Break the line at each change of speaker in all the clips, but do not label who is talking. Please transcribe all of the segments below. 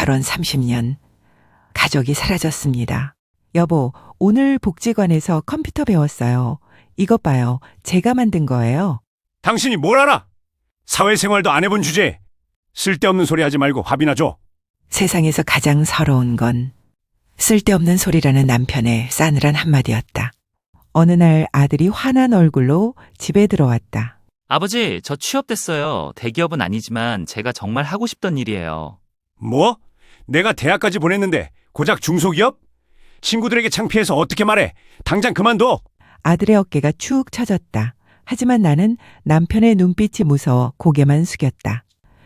결혼 30년. 가족이 사라졌습니다. 여보, 오늘 복지관에서 컴퓨터 배웠어요. 이것 봐요. 제가 만든 거예요.
당신이 뭘 알아? 사회생활도 안 해본 주제에 쓸데없는 소리 하지 말고 밥이나 줘.
세상에서 가장 서러운 건 쓸데없는 소리라는 남편의 싸늘한 한마디였다. 어느 날 아들이 화난 얼굴로 집에 들어왔다.
아버지, 저 취업됐어요. 대기업은 아니지만 제가 정말 하고 싶던 일이에요.
뭐? 내가 대학까지 보냈는데 고작 중소기업? 친구들에게 창피해서 어떻게 말해? 당장 그만둬.
아들의 어깨가 축 처졌다. 하지만 나는 남편의 눈빛이 무서워 고개만 숙였다.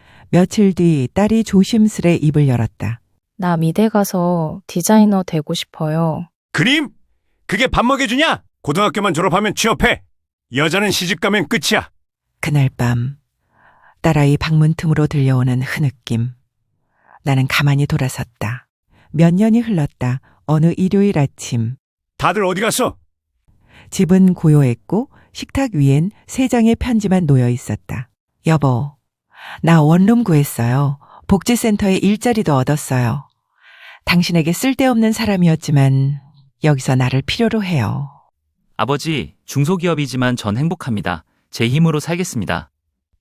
며칠 뒤 딸이 조심스레 입을 열었다.
나 미대 가서 디자이너 되고 싶어요.
그림? 그게 밥 먹여주냐? 고등학교만 졸업하면 취업해. 여자는 시집 가면 끝이야.
그날 밤 딸아이 방문 틈으로 들려오는 흐느낌. 나는 가만히 돌아섰다. 몇 년이 흘렀다. 어느 일요일 아침.
다들 어디 갔어?
집은 고요했고 식탁 위엔 3장의 편지만 놓여 있었다. 여보, 나 원룸 구했어요. 복지센터에 일자리도 얻었어요. 당신에게 쓸데없는 사람이었지만 여기서 나를 필요로 해요.
아버지, 중소기업이지만 전 행복합니다. 제 힘으로 살겠습니다.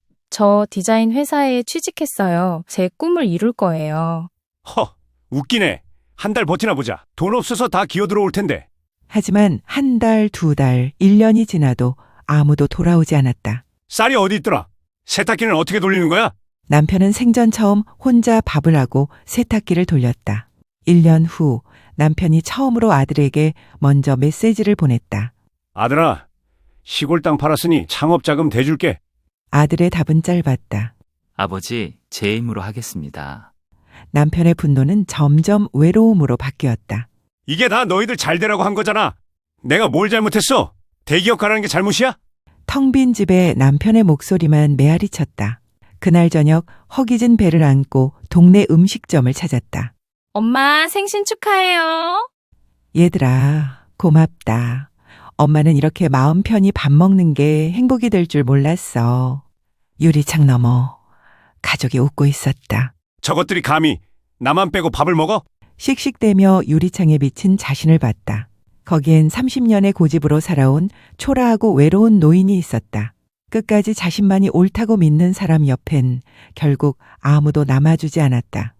저 디자인 회사에 취직했어요. 제 꿈을 이룰 거예요.
허, 웃기네. 한 달 버티나 보자. 돈 없어서 다 기어 들어올 텐데.
하지만 한 달, 2달, 1년이 지나도 아무도 돌아오지 않았다.
쌀이 어디 있더라? 세탁기는 어떻게 돌리는 거야?
남편은 생전 처음 혼자 밥을 하고 세탁기를 돌렸다. 1년 후 남편이 처음으로 아들에게 먼저 메시지를 보냈다.
아들아, 시골 땅 팔았으니 창업자금 대줄게.
아들의 답은 짧았다.
아버지, 제 힘으로 하겠습니다.
남편의 분노는 점점 외로움으로 바뀌었다.
이게 다 너희들 잘 되라고 한 거잖아. 내가 뭘 잘못했어? 대기업 가라는 게 잘못이야?
텅 빈 집에 남편의 목소리만 메아리 쳤다. 그날 저녁 허기진 배를 안고 동네 음식점을 찾았다.
엄마, 생신 축하해요.
얘들아, 고맙다. 엄마는 이렇게 마음 편히 밥 먹는 게 행복이 될 줄 몰랐어. 유리창 너머 가족이 웃고 있었다.
저것들이 감히 나만 빼고 밥을 먹어?
씩씩대며 유리창에 비친 자신을 봤다. 거기엔 30년의 고집으로 살아온 초라하고 외로운 노인이 있었다. 끝까지 자신만이 옳다고 믿는 사람 옆엔 결국 아무도 남아주지 않았다.